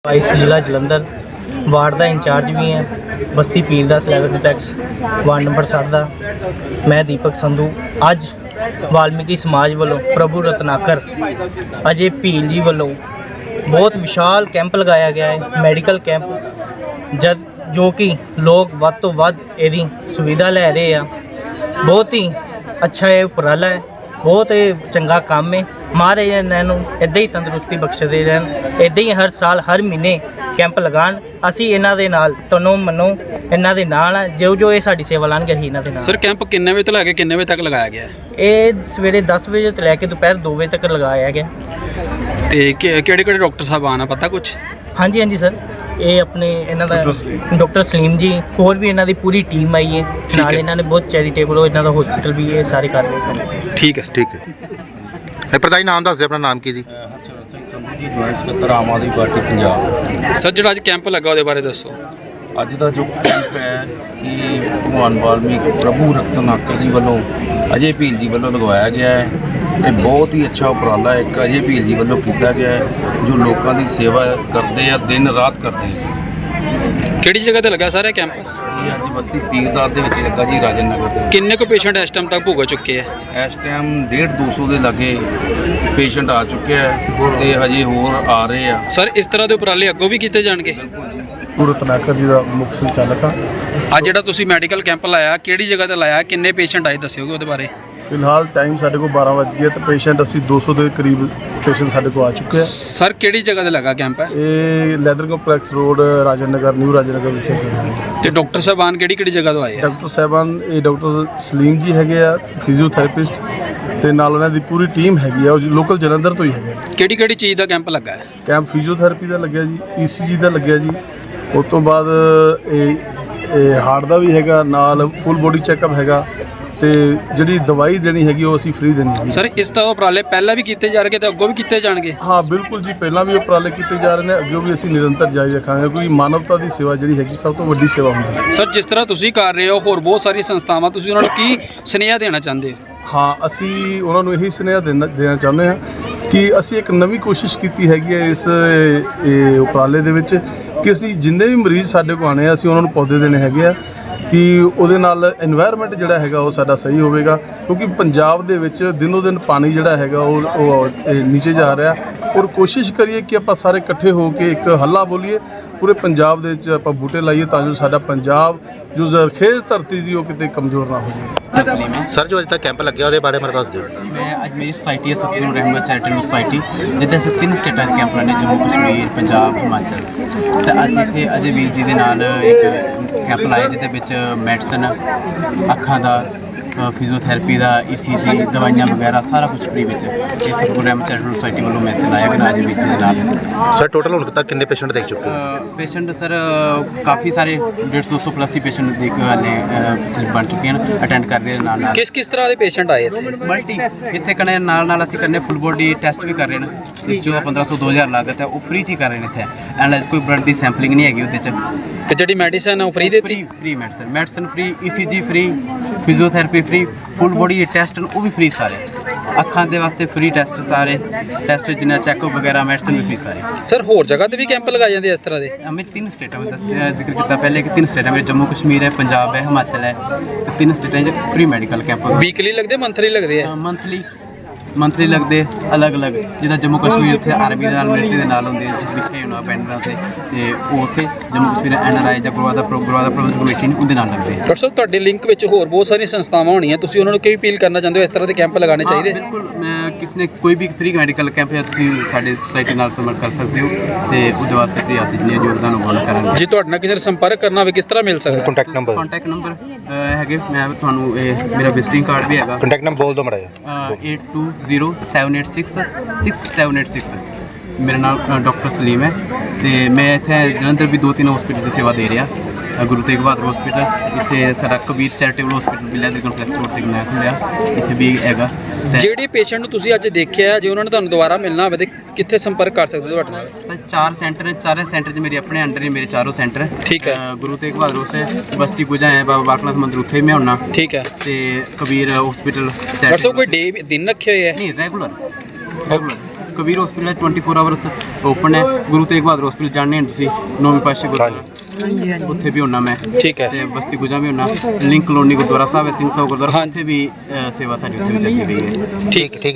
Vice जिला Jalandhar ward का in charge भी है बस्ती पीर दा स्लैब कंपलैक्स वार्ड नंबर 7 का मैं दीपक संधू। अज वाल्मीकि समाज वालों प्रभु रत्नाकर अजय भील जी वालों बहुत विशाल कैंप लगाया गया है, मेडिकल कैंप जब जो कि लोग वध तो वध इहदी सुविधा लै रहे हैं। बहुत ही अच्छा है उपराला है, बहुत ही चंगा काम है। महाराज इन्हों इदा ही तंदुरुस्ती बख्शते रहन, इदा ही हर साल हर महीने कैंप लगान। असी इन्हां दे नाल तनो मनो इन्हां दे नाल जो जो ये साडी सेवा लाणगे असीं इन्हां दे नाल। सर कैंप किन्ने बजे तो लैके किन्ने बजे तक लगाया गया है? ये सवेरे 10 बजे तो लैके दोपहर 2 बजे तक लगाया गया। ते केड़े डॉक्टर साहब आना पता कुछ? हाँ जी हाँ जी सर, ये अपने इन्हां दा डॉक्टर सलीम जी होर भी इन्हां दी पूरी टीम आई है नाल। इन्हां ने बहुत चैरिटेबल इन्हां दा हॉस्पिटल भी है, सारे कार्य ठीक है। ठीक है प्रधान नाम दस दे अपना नाम की जी? हरचरण सिंह संधू जी, ज्वाइंट ਸਕੱਤਰ आम आदमी पार्टी पंजाब। सर जो अज कैंप लगा ਉਹਦੇ ਬਾਰੇ ਦੱਸੋ। ਅੱਜ ਦਾ ਜੋ ਕੈਂਪ ਹੈ ਇਹ ਭਗਵਾਨ ਵਾਲਮੀਕ ਪ੍ਰਭੂ ਰਤਨਾਕਰ ਜੀ ਵੱਲੋਂ ਅਜੇ ਭੀਲ ਜੀ ਵੱਲੋਂ ਲਗਵਾਇਆ ਗਿਆ ਹੈ। ਇਹ ਬਹੁਤ ਹੀ ਅੱਛਾ ਉਪਰਾਲਾ ਇੱਕ ਅਜੇ ਭੀਲ ਜੀ ਵੱਲੋਂ ਕੀਤਾ ਗਿਆ ਹੈ ਜੋ ਲੋਕਾਂ ਦੀ ਸੇਵਾ ਕਰਦੇ ਆ, ਦਿਨ ਰਾਤ ਕਰਦੇ ਆ। ਕਿਹੜੀ ਜਗ੍ਹਾ ਤੇ ਲੱਗਾ ਸਰ ਇਹ ਕੈਂਪ? ਇਹ ਅੱਜ ਬਸਤੀ ਪੀਰਦਾਰ ਦੇ ਵਿੱਚ ਲੱਗਾ ਜੀ, ਰਾਜਨ ਨਗਰ ਦੇ ਵਿੱਚ। ਕਿੰਨੇ ਕੁ ਪੇਸ਼ੈਂਟ ਇਸ ਟਾਈਮ ਤੱਕ ਭੁਗਤ ਚੁੱਕੇ ਆ? ਇਸ ਟਾਈਮ 150-200 ਦੇ ਲਾਗੇ ਪੇਸ਼ੈਂਟ ਆ ਚੁੱਕੇ ਆ ਤੇ ਹਜੇ ਹੋਰ ਆ ਰਹੇ ਆ। ਸਰ ਇਸ ਤਰ੍ਹਾਂ ਦੇ ਉਪਰਾਲੇ ਅੱਗੋਂ ਵੀ ਕੀਤੇ ਜਾਣਗੇ? ਪ੍ਰਭੂ ਰਤਨਾਕਰ ਜੀ ਦਾ ਮੁੱਖ ਸੰਚਾਲਕ ਹਾਂ। ਅੱਜ ਜਿਹੜਾ ਤੁਸੀਂ ਮੈਡੀਕਲ ਕੈਂਪ ਲਾਇਆ ਕਿਹੜੀ ਜਗ੍ਹਾ ਤੇ ਲਾਇਆ, ਕਿੰਨੇ ਪੇਸ਼ੈਂਟ ਆਏ ਦੱਸਿਓਗੇ ਉਹਦੇ ਬਾਰੇ? ਫਿਲਹਾਲ ਟਾਈਮ ਸਾਡੇ ਕੋਲ 12 ਵਜ ਗਿਆ ਤੇ ਪੇਸ਼ੈਂਟ ਅਸੀਂ 200 ਦੇ ਕਰੀਬ ਪੇਸ਼ੈਂਟ ਸਾਡੇ ਕੋਲ ਆ ਚੁੱਕੇ ਆ। ਸਰ ਕਿਹੜੀ ਜਗ੍ਹਾ ਤੇ ਲੱਗਾ ਕੈਂਪ ਹੈ? ਇਹ leather complex road Rajan Nagar, new Rajan Nagar ਵਿੱਚ ਹੈ। ਤੇ ਡਾਕਟਰ ਸਾਹਿਬਾਨ ਕਿਹੜੀ ਜਗ੍ਹਾ ਤੋਂ ਆਏ ਆ? ਡਾਕਟਰ ਸਾਹਿਬਾਨ ਇਹ ਡਾਕਟਰ ਸਲੀਮ ਜੀ ਹੈਗੇ ਆ, ਫਿਜ਼ੀਓਥੈਰੇਪਿਸਟ, ਤੇ ਨਾਲ ਉਹਨਾਂ ਦੀ ਪੂਰੀ ਟੀਮ ਹੈਗੀ ਆ, ਉਹ ਲੋਕਲ ਜਲੰਧਰ ਤੋਂ ਹੀ ਹੈਗੇ। ਕਿਹੜੀ ਚੀਜ਼ ਦਾ ਕੈਂਪ ਲੱਗਾ ਹੈ? ਕੈਂਪ ਫਿਜ਼ੀਓਥੈਰੇਪੀ ਦਾ ਲੱਗਿਆ ਜੀ, ECG ਦਾ ਲੱਗਿਆ ਜੀ। ਉਸ ਤੋਂ ਬਾਅਦ ਇਹ ਹਾਰਟ ਦਾ ਵੀ ਹੈਗਾ, ਨਾਲ ਫੁੱਲ ਬੋਡੀ ਚੈੱਕਅਪ ਹੈਗਾ, ਤੇ ਜਿਹੜੀ ਦਵਾਈ ਦੇਣੀ ਹੈਗੀ ਉਹ ਅਸੀਂ ਫ੍ਰੀ ਦੇਣੀ ਹੈ। ਸਰ ਇਸ ਤਰ੍ਹਾਂ ਉਪਰਾਲੇ ਪਹਿਲਾਂ ਵੀ ਕੀਤੇ ਜਾ ਰਹੇ ਤੇ ਅੱਗੋਂ ਵੀ ਕੀਤੇ ਜਾਣਗੇ? ਹਾਂ ਬਿਲਕੁਲ ਜੀ, ਪਹਿਲਾਂ ਵੀ ਉਪਰਾਲੇ ਕੀਤੇ ਜਾ ਰਹੇ ਨੇ, ਅੱਗੇ ਵੀ ਅਸੀਂ ਨਿਰੰਤਰ ਜਾਰੀ ਰੱਖਾਂਗੇ ਕਿਉਂਕਿ ਮਾਨਵਤਾ ਦੀ ਸੇਵਾ ਜਿਹੜੀ ਹੈਗੀ ਸਭ ਤੋਂ ਵੱਡੀ ਸੇਵਾ ਹੁੰਦੀ ਹੈ। ਸਰ ਜਿਸ ਤਰ੍ਹਾਂ ਤੁਸੀਂ ਕਰ ਰਹੇ ਹੋ ਹੋਰ ਬਹੁਤ ਸਾਰੀ ਸੰਸਥਾਵਾਂ, ਤੁਸੀਂ ਉਹਨਾਂ ਨੂੰ ਕੀ ਸੁਨੇਹਾ ਦੇਣਾ ਚਾਹੁੰਦੇ ਹੋ? ਹਾਂ ਅਸੀਂ ਉਹਨਾਂ ਨੂੰ ਇਹੀ ਸੁਨੇਹਾ ਦੇਣਾ ਚਾਹੁੰਦੇ ਹਾਂ ਕਿ ਅਸੀਂ ਇੱਕ ਨਵੀਂ ਕੋਸ਼ਿਸ਼ ਕੀਤੀ ਹੈਗੀ ਹੈ ਇਸ ਉਪਰਾਲੇ ਦੇ ਵਿੱਚ ਕਿ ਅਸੀਂ ਜਿੰਨੇ ਵੀ ਮਰੀਜ਼ ਸਾਡੇ ਕੋਲ ਆਣੇ ਆ ਅਸੀਂ ਉਹਨਾਂ ਨੂੰ ਪੌਦੇ ਦੇਣੇ ਹੈਗੇ ਆ ਕਿ ਉਹਦੇ ਨਾਲ এনवायरमेंट ਜਿਹੜਾ ਹੈਗਾ ਉਹ ਸਾਡਾ ਸਹੀ ਹੋਵੇਗਾ। ਕਿਉਂਕਿ ਪੰਜਾਬ ਦੇ ਵਿੱਚ ਦਿਨੋਂ ਦਿਨ ਪਾਣੀ ਜਿਹੜਾ ਹੈਗਾ ਉਹ ਨੀਚੇ ਜਾ ਰਿਹਾ, ਔਰ ਕੋਸ਼ਿਸ਼ ਕਰੀਏ ਕਿ ਆਪਾਂ ਸਾਰੇ ਇਕੱਠੇ ਹੋ ਕੇ ਇੱਕ ਹੱਲਾ ਬੋਲੀਏ, ਪੂਰੇ ਪੰਜਾਬ ਦੇ ਵਿੱਚ ਆਪਾਂ ਬੂਟੇ ਲਾਈਏ ਤਾਂ ਜੋ ਸਾਡਾ ਪੰਜਾਬ ਜੋ ਜ਼ਰਖੇਜ਼ ਧਰਤੀ ਦੀ ਉਹ ਕਿਤੇ ਕਮਜ਼ੋਰ ਨਾ ਹੋ ਜਾਵੇ। सलीम है सर जो अज तक कैंप लगे ਉਹਦੇ ਬਾਰੇ ਮੈਨੂੰ ਦੱਸ ਦਿਓ। मैं अज मेरी सोसाइटी है सतगुरु रहमत चैरिटेबल सोसाइटी जिद्दां असीं 3 स्टेटां दे कैंप लाने, जम्मू कश्मीर, पंजाब, हिमाचल। तो अज इत्थे अजय वीर जी दे नाल एक कैंप लाया जिहदे विच मैडिसन, अखां दा, फिजियोथैरेपी का, ECG दवाइयां वगैरह सारा कुछ फ्री में ये सतगुरु रहमत चैरिटेबल सोसाइटी वालों मैं इत्थे लाया गया अजय वीर जी दे नाल। सर टोटल हुण तक कितने पेशेंट देख चुके हैं? पेशेंट सर काफ़ी सारे 150-200 प्लस ही पेशेंट देख वाले बन चुके हैं, अटेंड कर रहे हैं नाल। किस तरह के पेशेंट आए थे? मल्टी इतने कने नाल असीं करने फुल बॉडी टेस्ट भी कर रहे हैं जो 1500-2000 लागत है वो फ्री च ही कर रहे हैं इत्थे। एनालाइज कोई ब्लड की सैंपलिंग नहीं हैगी उहदे च। ਤੇ ਜਿਹੜੀ ਮੈਡੀਸਨ ਉਹ ਫ੍ਰੀ ਦਿੱਤੀ? Free medicine free, ECG free, physiotherapy free, full body test वो भी फ्री सारे। अखां दे वास्ते फ्री टेस्ट सारे टेस्ट जिन्ना चैकअप वगैरह मैडिसन भी फ्री सारे। सर होर जगह ते भी कैंप लगाए जाते इस तरह के? मैं 3 स्टेटां में जिक्र किया पहले कि 3 स्टेटां मेरे जम्मू कश्मीर है, पंजाब है, हिमाचल है। 3 स्टेटां फ्री मैडिकल कैंप वीकली लगते मंथली लगते हैं? मंथली लगते अलग अलग, जिदा जम्मू कश्मीर उत्थे आर्मी दे नाल मिलिटरी दे नाल होंदे पिछे होना पेंडरां ते ਉਹ ਉੱਥੇ जम्मू कश्मीर NRI ਜਾਂ ਗੁਰਵਾਦਾ ਪ੍ਰਬੰਧਕ ਕਮੇਟੀ ਨੇ ਉਹਦੇ ਨਾਲ ਲੱਗਦੇ। ਡਾਕਟਰ ਸਾਹਿਬ ਤੁਹਾਡੇ ਲਿੰਕ ਵਿੱਚ ਹੋਰ ਬਹੁਤ ਸਾਰੀਆਂ ਸੰਸਥਾਵਾਂ ਹੋਣੀਆਂ, ਤੁਸੀਂ ਉਹਨਾਂ ਨੂੰ ਕੀ ਅਪੀਲ ਕਰਨਾ ਚਾਹੁੰਦੇ ਹੋ ਇਸ ਤਰ੍ਹਾਂ ਦੇ ਕੈਂਪ ਲਗਾਉਣੇ ਚਾਹੀਦੇ? ਬਿਲਕੁਲ, ਕਿਸੇ ਨੇ ਕੋਈ ਵੀ ਫ੍ਰੀ ਮੈਡੀਕਲ ਕੈਂਪ ਹੈ ਤੁਸੀਂ ਸਾਡੇ ਸੁਸਾਇਟੀ ਨਾਲ ਸੰਪਰਕ ਕਰ ਸਕਦੇ ਹੋ ਤੇ ਉਹਦੇ ਵਾਸਤੇ ਤੇ ਅਸੀਂ ਜਿੰਨੇ ਯੋਗਦਾਨ ਉਹ ਕਰਾਂਗੇ। ਜੇ ਤੁਹਾਡੇ ਨਾਲ ਕਿਸੇ ਨੇ ਸੰਪਰਕ ਕਰਨਾ ਹੋਵੇ ਕਿਸ ਤਰ੍ਹਾਂ ਮਿਲ ਸਕਦਾ? ਕੰਟੈਕਟ ਨੰਬਰ ਹੈਗੇ, ਮੈਂ ਤੁਹਾਨੂੰ ਮੇਰਾ ਵਿਜ਼ਿਟਿੰਗ ਕਾਰਡ ਵੀ ਹੈਗਾ। ਕੰਟੈਕਟ ਨੰਬਰ ਬੋਲ ਦਿਓ ਮਾੜਾ ਜਿਹਾ। 820786668786 मेरा नाम डॉक्टर सलीम है तो मैं इतने जलंधर भी 2-3 हॉस्पिटल की सेवा दे रहा। गुरु तेग बहादुर हॉस्पिटल इतने सारा कबीर चैरिटेबल हॉस्पिटल भी लैदर कंपलैक्स रोड तक नया खुलिया इतने भी हैगा। ਜਿਹੜੇ ਪੇਸ਼ੈਂਟ ਨੂੰ ਤੁਸੀਂ ਅੱਜ ਦੇਖਿਆ ਜੇ ਉਹਨਾਂ ਨੇ ਤੁਹਾਨੂੰ ਦੁਬਾਰਾ ਮਿਲਣਾ ਹੋਵੇ ਤੇ ਕਿੱਥੇ ਸੰਪਰਕ ਕਰ ਸਕਦੇ ਤੁਹਾਡੇ ਨਾਲ? सर 4 सेंटर हैं, 4 सेंटर मेरे अपने अंडर ही मेरे चारों सेंटर। ठीक है। गुरु तेग बहादुर से बस्ती गुजा है, बाबा बालकनाथ मंदिर उत्थे मैं होना। ठीक है। तो कबीर हॉस्पिटल डॉक्टर साहब कोई डे दिन रखे हुए है? नहीं, regular Kabir hospital 24 hours open ਹੈ। ਗੁਰੂ ਤੇਗ ਬਹਾਦਰ ਹਸਪੀਟਲ ਜਾਣਦੇ ਹੋ ਤੁਸੀਂ, 9ਵੀਂ ਪਾਤਸ਼ਾਹੀ ਗੁਰਦੁਆਰਾ, ਉੱਥੇ ਵੀ ਹੁੰਨਾ ਮੈਂ। ਠੀਕ ਹੈ। ਤੇ ਬਸਤੀ ਗੁਜਾ ਵੀ ਹੁੰਨਾ। ਲਿੰਕ ਕਲੋਨੀ ਗੁਰਦੁਆਰਾ ਸਾਹਿਬ ਹੈ, ਸਿੰਘ ਸਾਹਿਬ ਗੁਰਦੁਆਰਾ, ਉੱਥੇ ਵੀ ਸੇਵਾ ਸਾਡੀ ਉੱਥੇ ਵੀ ਚੱਲਦੀ ਰਹੀ ਹੈ। ਠੀਕ ਠੀਕ।